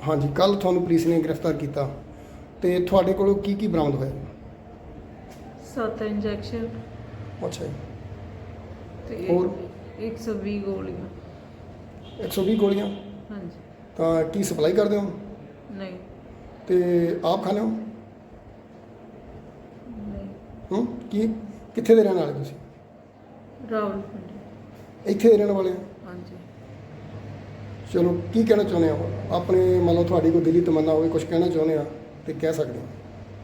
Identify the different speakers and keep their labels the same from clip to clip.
Speaker 1: ਹਾਂਜੀ, ਕੱਲ ਤੁਹਾਨੂੰ ਪੁਲਿਸ ਨੇ ਗ੍ਰਿਫਤਾਰ ਕੀਤਾ ਤੇ ਤੁਹਾਡੇ ਕੋਲੋਂ ਕੀ ਬਰਾਮਦ ਹੋਇਆ?
Speaker 2: 7 ਇੰਜੈਕਸ਼ਨ
Speaker 1: ਅੱਛਾ ਜੀ।
Speaker 2: ਤੇ
Speaker 1: ਹੋਰ
Speaker 2: 120 ਗੋਲੀਆਂ।
Speaker 1: 120 ਗੋਲੀਆਂ?
Speaker 2: ਹਾਂਜੀ।
Speaker 1: ਤਾਂ ਕੀ ਸਪਲਾਈ ਕਰਦੇ ਹੋ
Speaker 2: ਨਹੀਂ
Speaker 1: ਤੇ ਆਪ ਖਾਂਦੇ ਹੋ?
Speaker 2: ਨਹੀਂ।
Speaker 1: ਕੀ ਕਿੱਥੇ ਦੇ ਰਹਿਣ ਵਾਲੇ ਤੁਸੀਂ?
Speaker 2: ਰਾਵਲਪਿੰਡੀ।
Speaker 1: ਇੱਥੇ ਦੇ ਰਹਿਣ ਵਾਲੇ ਹੋ?
Speaker 2: ਹਾਂਜੀ।
Speaker 1: ਚਲੋ, ਕੀ ਕਹਿਣਾ ਚਾਹੁੰਦੇ ਹੋ ਆਪਣੇ? ਮੰਨ ਲਓ ਤੁਹਾਡੀ ਕੋਈ ਦਿਲੀ ਤਮੰਨਾ ਹੋਵੇ, ਕੁਝ ਕਹਿਣਾ ਚਾਹੁੰਦੇ ਆ ਤੇ ਕਹਿ ਸਕਦੇ ਹੋ।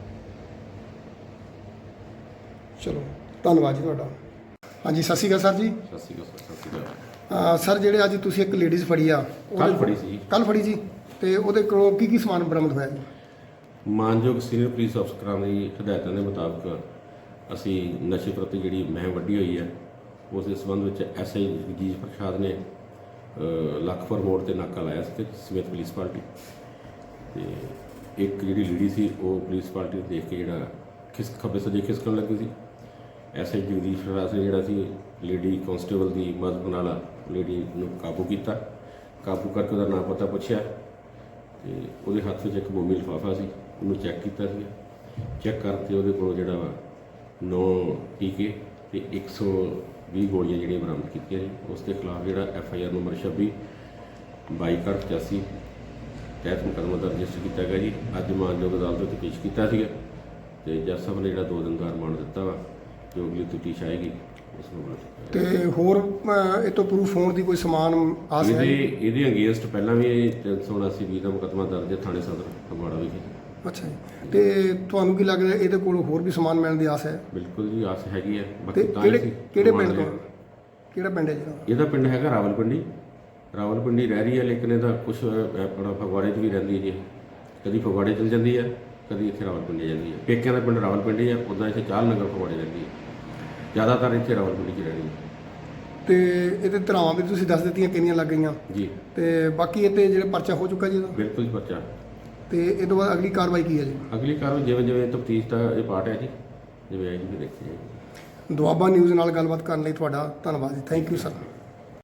Speaker 1: ਚਲੋ, ਧੰਨਵਾਦ ਜੀ ਤੁਹਾਡਾ। ਹਾਂਜੀ, ਸਤਿ ਸ਼੍ਰੀ ਅਕਾਲ ਸਰ ਜੀ।
Speaker 3: ਸਤਿ ਸ਼੍ਰੀ ਅਕਾਲ ਸਰ। ਸਤਿ ਸ਼੍ਰੀ ਅਕਾਲ
Speaker 1: ਸਰ, ਜਿਹੜੇ ਅੱਜ ਤੁਸੀਂ ਇੱਕ ਲੇਡੀਜ਼ ਫੜੀ ਆ,
Speaker 3: ਕੱਲ੍ਹ ਫੜੀ ਸੀ ਜੀ।
Speaker 1: ਕੱਲ੍ਹ ਫੜੀ ਜੀ, ਤੇ ਉਹਦੇ ਕੋਲੋਂ ਕੀ ਸਮਾਨ ਬਰਾਮਦ ਹੋਇਆ ਜੀ?
Speaker 3: ਮਾਨਯੋਗ ਸੀਨੀਅਰ ਪੁਲਿਸ ਅਫਸਰਾਂ ਦੀ ਹਦਾਇਤਾਂ ਦੇ ਮੁਤਾਬਕ ਅਸੀਂ ਨਸ਼ੇ ਪ੍ਰਤੀ ਜਿਹੜੀ ਮੁਹਿੰਮ ਵੱਡੀ ਹੋਈ ਹੈ, ਉਸ ਦੇ ਸੰਬੰਧ ਵਿੱਚ ਐਸਆਈ ਜਗਜੀਤ ਪ੍ਰਸਾਦ ਨੇ ਲੱਖਪੁਰ ਮੋੜ ਤੇ ਨਾਕਾ ਲਾਇਆ ਸੀ ਸਮੇਤ ਪੁਲਿਸ ਪਾਰਟੀ। ਤੇ ਇੱਕ ਜਿਹੜੀ ਲੇਡੀ ਸੀ ਉਹ ਪੁਲਿਸ ਪਾਰਟੀ ਨੂੰ ਦੇਖ ਕੇ ਜਿਹੜਾ ਖੱਬੇ ਸੱਜੇ ਖਿਸਕਣ ਲੱਗੀ ਸੀ। ਐਸਆਈ ਜਗਦੀਸ਼ ਪ੍ਰਸਾਦ ਨੇ ਜਿਹੜਾ ਸੀ ਲੇਡੀ ਕਾਂਸਟੇਬਲ ਦੀ ਮਦਦ ਨਾਲ ਲੇਡੀ ਨੂੰ ਕਾਬੂ ਕੀਤਾ। ਕਾਬੂ ਕਰਕੇ ਉਹਦਾ ਨਾਂ ਪਤਾ ਪੁੱਛਿਆ ਤੇ ਉਹਦੇ ਹੱਥ ਵਿੱਚ ਇੱਕ ਮੋਮੀ ਲਿਫਾਫਾ ਸੀ, ਉਹਨੂੰ ਚੈੱਕ ਕੀਤਾ ਸੀ। ਚੈੱਕ ਕਰਕੇ ਉਹਦੇ ਕੋਲ ਜਿਹੜਾ ਵਾ 9 ਟੀਕੇ ਤੇ 120 ਗੋਲੀਆਂ ਜਿਹੜੀਆਂ ਬਰਾਮਦ ਕੀਤੀਆਂ ਜੀ। ਉਸ ਦੇ ਖਿਲਾਫ ਜਿਹੜਾ FIR ਨੰਬਰ 26/22/85 ਤਹਿਤ ਮੁਕੱਦਮਾ ਦਰਜ ਕੀਤਾ ਗਿਆ ਜੀ। ਅੱਜ ਮਾਨਯੋਗ ਅਦਾਲਤ ਵਿੱਚ ਪੇਸ਼ ਕੀਤਾ ਸੀਗਾ ਤੇ ਜੱਜ ਸਾਹਿਬ ਨੇ ਜਿਹੜਾ 2 ਦਿਨ ਦਾ ਰਿਮਾਂਡ ਦਿੱਤਾ ਵਾ, ਜੋ ਅਗਲੀ ਤਫਤੀਸ਼ ਆਏਗੀ ਉਸ ਨੂੰ ਬੁਲਾ।
Speaker 1: ਤੇ ਹੋਰ ਇਹ ਤੋਂ ਪ੍ਰੂਫ ਹੋਣ ਦੀ ਕੋਈ ਸਮਾਨ ਆਸ ਹੈ?
Speaker 3: ਇਹਦੇ ਅਗੇਂਸਟ ਪਹਿਲਾਂ ਵੀ 379/20 ਦਾ ਮੁਕੱਦਮਾ ਦਰਜ ਹੈ ਥਾਣੇ ਸਦਰ ਫਗਵਾੜਾ ਵਿਖੇ।
Speaker 1: ਅੱਛਾ ਜੀ। ਤੇ ਤੁਹਾਨੂੰ ਕੀ ਲੱਗਦਾ ਇਹਦੇ ਕੋਲ ਹੋਰ ਵੀ ਸਮਾਨ ਮਿਲਣ ਦੀ ਆਸ ਹੈ?
Speaker 3: ਬਿਲਕੁਲ ਜੀ, ਆਸ ਹੈਗੀ ਹੈ।
Speaker 1: ਤੇ
Speaker 3: ਬਾਕੀ ਤਾਂ ਹੀ
Speaker 1: ਕਿਹੜੇ ਪਿੰਡ ਤੋਂ? ਕਿਹੜਾ ਪਿੰਡ ਹੈ ਜਿਹੜਾ?
Speaker 3: ਇਹਦਾ ਪਿੰਡ ਹੈਗਾ ਰਾਵਲਪਿੰਡੀ ਰਹਿ ਰਹੀ ਹੈ, ਲੇਕਿਨ ਇਹਦਾ ਕੁਝ ਆਪਣਾ ਫਗਵਾੜੇ 'ਚ ਵੀ ਰਹਿੰਦੀ ਹੈ ਜੀ। ਕਦੀ ਫਗਵਾੜੇ ਚਲ ਜਾਂਦੀ ਹੈ, ਕਦੀ ਇੱਥੇ ਰਾਵਲਪਿੰਡੀ ਜਾਂਦੀ ਹੈ। ਪੇਕਿਆਂ ਦਾ ਪਿੰਡ ਰਾਵਲਪਿੰਡੀ ਹੈ, ਉੱਦਾਂ ਇੱਥੇ ਚਾਲ ਨਗਰ ਫਗਵਾੜੇ ਰਹਿੰਦੀ ਹੈ, ਜ਼ਿਆਦਾਤਰ ਇੱਥੇ ਰਾਵਲਪਿੰਡੀ 'ਚ ਰਹਿਣੀ ਹੈ।
Speaker 1: ਤੇ ਇਹਦੇ ਧਰਾਵਾਂ ਵੀ ਤੁਸੀਂ ਦੱਸ ਦਿੱਤੀਆਂ ਕਿੰਨੀਆਂ ਲੱਗ ਗਈਆਂ
Speaker 3: ਜੀ।
Speaker 1: ਤੇ ਬਾਕੀ ਇਹ 'ਤੇ ਜਿਹੜਾ ਪਰਚਾ ਹੋ ਚੁੱਕਾ ਜੀ ਇਹਦਾ?
Speaker 3: ਬਿਲਕੁਲ ਜੀ, ਪਰਚਾ।
Speaker 1: ਤੇ ਇਹ ਤੋਂ ਬਾਅਦ ਅਗਲੀ ਕਾਰਵਾਈ ਕੀ ਹੈ ਜੀ?
Speaker 3: ਅਗਲੀ ਕਾਰਵਾਈ ਜਿਵੇਂ ਤਫਤੀਸ਼ ਦਾ ਇਹ ਪਾਰਟ ਹੈ ਜੀ, ਜਿਵੇਂ ਆਏਗੀ ਵੀ ਦੇਖੀ ਜਾਏਗੀ।
Speaker 1: ਦੁਆਬਾ ਨਿਊਜ਼ ਨਾਲ ਗੱਲਬਾਤ ਕਰਨ ਲਈ ਤੁਹਾਡਾ ਧੰਨਵਾਦ ਜੀ। Thank you sir.